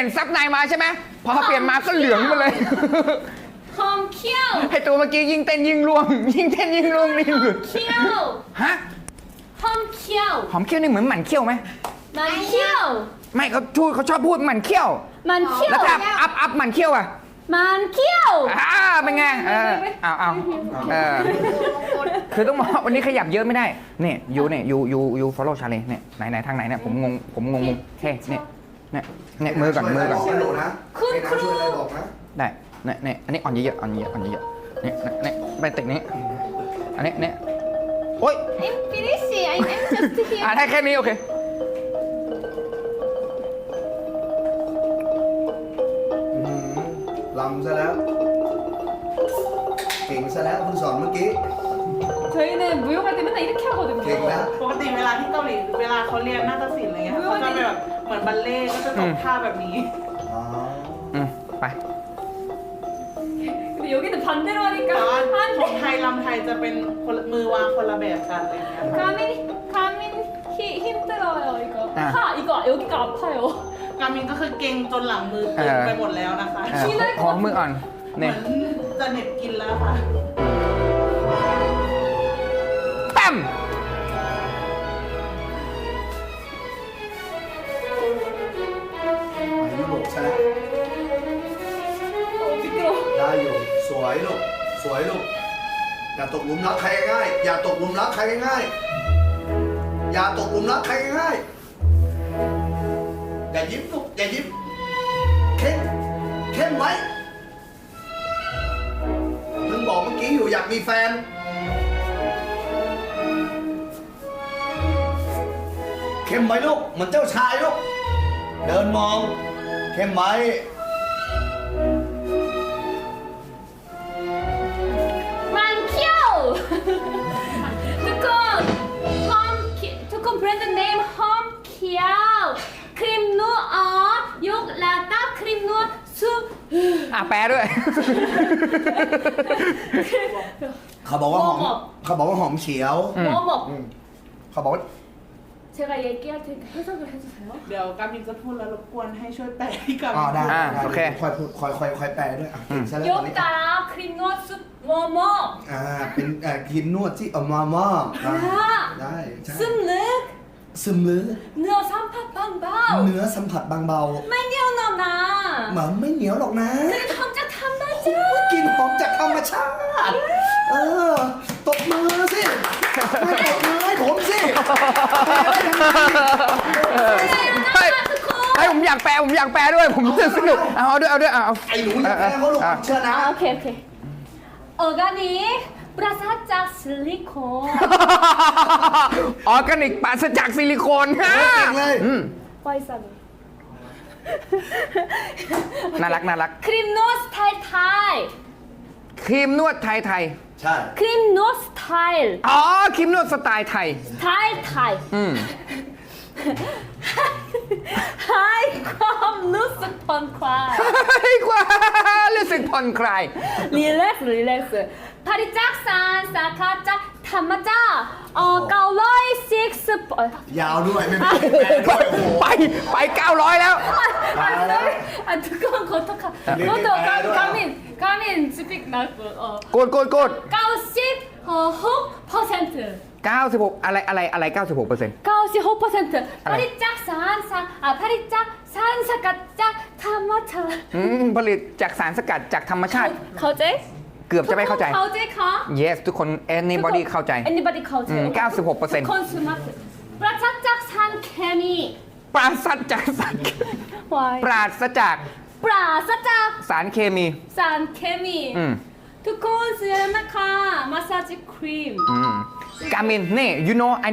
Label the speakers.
Speaker 1: ลี่ยนซับในมาใช่ไหมพอเปลี่ยนมาก็เหลืองมาเลย
Speaker 2: หอมเขี้ยว
Speaker 1: ไอตัวเมื่อกี้ยิ่งเต้นยิ่งร่วงยิ่งเต้นยิ่งร่วงนี่หลุด
Speaker 2: เขี้ยว
Speaker 1: ฮะ
Speaker 2: หอมเขี้ยว
Speaker 1: หอมเขี้ยวนี่เหมือนหมันเขี้ยวไหม
Speaker 2: มันเขี้ยว
Speaker 1: ไม่เขาชอบพูดหมันเขี้ยว
Speaker 2: มันเขี้ยว
Speaker 1: แล้วถ้าอัพหมันเขี้ยวอ่ะ
Speaker 2: มันเขี้ยว
Speaker 1: เป็นไงเอาคือต้องบอกว่าวันนี้ขยับเยอะไม่ได้เนี่ยยู follow ชาเลนเนี่ยไหนทางไหนเนี่ยผมงงเฮ้เนี่ยมือก่อน
Speaker 3: บอกนะ
Speaker 2: คุณครู
Speaker 3: ช่วยอะไรบอกนะ
Speaker 1: ได้เนี่ยอันนี้อ่อนเยอะเนี่ยไปติดนี้อันนี้เนี่ยโอ๊ย
Speaker 2: I'm finishing I'm just here
Speaker 1: ได้แค่นี้โอเค
Speaker 3: ลำซะแล้ว เก่งซะแล้วคุณสอนเมื่อกี้
Speaker 2: 저희는 무용할 때 맨날 이렇게 하거든요
Speaker 3: เก่งแล้ว
Speaker 4: ปกติเวลาที่เกาหลีเวลาเขาเรียนนาฏศิลป์อะไรเงี้ยเขาจะเป็นแบบเหมือนบัลเล่ต์ก็จะตกท่าแบบนี้
Speaker 3: อ๋อ
Speaker 1: ไป
Speaker 2: 근데 여기는 반대로
Speaker 4: แต่ว่า
Speaker 2: 하니까
Speaker 4: ของไทยลำไทยจะเป็นคนมือวางคนละแบบกันอะไรเงี้ย
Speaker 2: 가민 힘들어요 이거 여기가 아파요
Speaker 4: กามินก็คือเก่งจนหลังมือตึงไปหมดแล้วนะคะ
Speaker 1: ขอมืออ่อน
Speaker 4: เหมื
Speaker 1: เนี่
Speaker 4: อย นจะเหน็บกินแล้วค่ะ
Speaker 1: ตั้ม
Speaker 3: ไปยุโรปซะแล้ว
Speaker 2: 미끄러워
Speaker 3: ได้อยู่สวยลูกสวยลูกอย่าตกหลุมรักใครง่ายอย่าตกหลุมรักใครง่ายอย่าตกหลุมรักใครง่ายอย่ายิ้มลูกอย่ายิ้มเข้มไว้เพิ่งบอกเมื่อกี้อยู่อยากมีแฟนเข้มไว้ลูกเหมือนเจ้าชายลูกเดินมองเข้มไว้
Speaker 2: 만키오 두콘 브랜드 네임 홈키오 크림 누어 욕 라따 크림 누어 숲
Speaker 1: แปลด้วย
Speaker 3: เขาบอกว่าหอม
Speaker 2: หอม
Speaker 3: เขาบอกว่าหอมเขียว
Speaker 2: 뭐뭐
Speaker 3: เขาบอกว่า
Speaker 2: 제가 얘기할 테니까 해석을 해주세요
Speaker 4: เดี๋ยวกามินจะพูดแล้วรบกวนให้ช่วยแปลให้กา
Speaker 3: อ๋อ
Speaker 4: มิน
Speaker 3: ได้
Speaker 1: โอเค
Speaker 3: ค่อยพูดค่อยแปลด้วยอ่ะเก่งซะแล้วตอนนี้
Speaker 2: 욕 따라 크림 누어 숲 뭐뭐
Speaker 3: เป็นครีมนวดที่เอามาได้ใช่
Speaker 2: 슴륵
Speaker 3: ซึมลึก
Speaker 2: 누어 삼팟 방방
Speaker 3: เนื้อสัมผัสบางเบา
Speaker 2: 마니오 너나
Speaker 3: เหมือนไม่เหนียวหรอกนะ
Speaker 2: 탐자 탐맞아
Speaker 3: กลินหอมจากธรรมชาติตบมือสิไม่ตบมือให้ผมสิ
Speaker 1: ให้ผมอยากแปลด้วยผมรู้สึกสนุกเอาด้วยเอา
Speaker 3: ไอ้หนูอย่าแพ้เขาลูกเชื่อนะ
Speaker 2: 오케이 어가닉 브라사짝 실리콘
Speaker 1: ออร์แกนิกปราศจากซิลิโคน
Speaker 3: เก่งเลย
Speaker 2: 와이사니
Speaker 1: น่ารัก
Speaker 2: 크림 노 스타일 타이
Speaker 1: ครีมนวดไทย
Speaker 3: ใช่
Speaker 2: 크림 노 스타일
Speaker 1: อ๋อครีมนวดสไตล์ไทย
Speaker 2: 스타일 타이 하이ความรู้สึกผ่อนคลาย
Speaker 1: ให้กว่ารู้สึกผ่อนคลาย
Speaker 2: 릴렉스 파리 짝산 사카짝 타마자 906
Speaker 3: ยาวด้วยไม่เป็นแปลด้วยโอ้โห
Speaker 1: ไป900แล้ว
Speaker 2: 두꺼운 거떡하 너도 가민 스픽 나고
Speaker 1: โกด
Speaker 2: 96%
Speaker 1: 96อะไร 96%
Speaker 2: 96% 파리 짝산 파리 짝산 사카짝 타마자
Speaker 1: ผลิตจากสารสกัดจากธรรมชาติ
Speaker 2: เข้าใจ
Speaker 1: เกือบจะไม่เข้าใจ
Speaker 2: เข้าใจคะ
Speaker 1: yes ทุกคน anybody เข้าใจ
Speaker 2: anybody เข้าใจ
Speaker 1: 96%
Speaker 2: consumer ปราศจากสารเคมี
Speaker 1: ปราศจากสาร
Speaker 2: Why
Speaker 1: ปราศจาก
Speaker 2: ปราศจาก
Speaker 1: สารเคมี
Speaker 2: สารเคมีทุกคนซื้อนะคะมาสซาจครีม
Speaker 1: กามินนี่ you know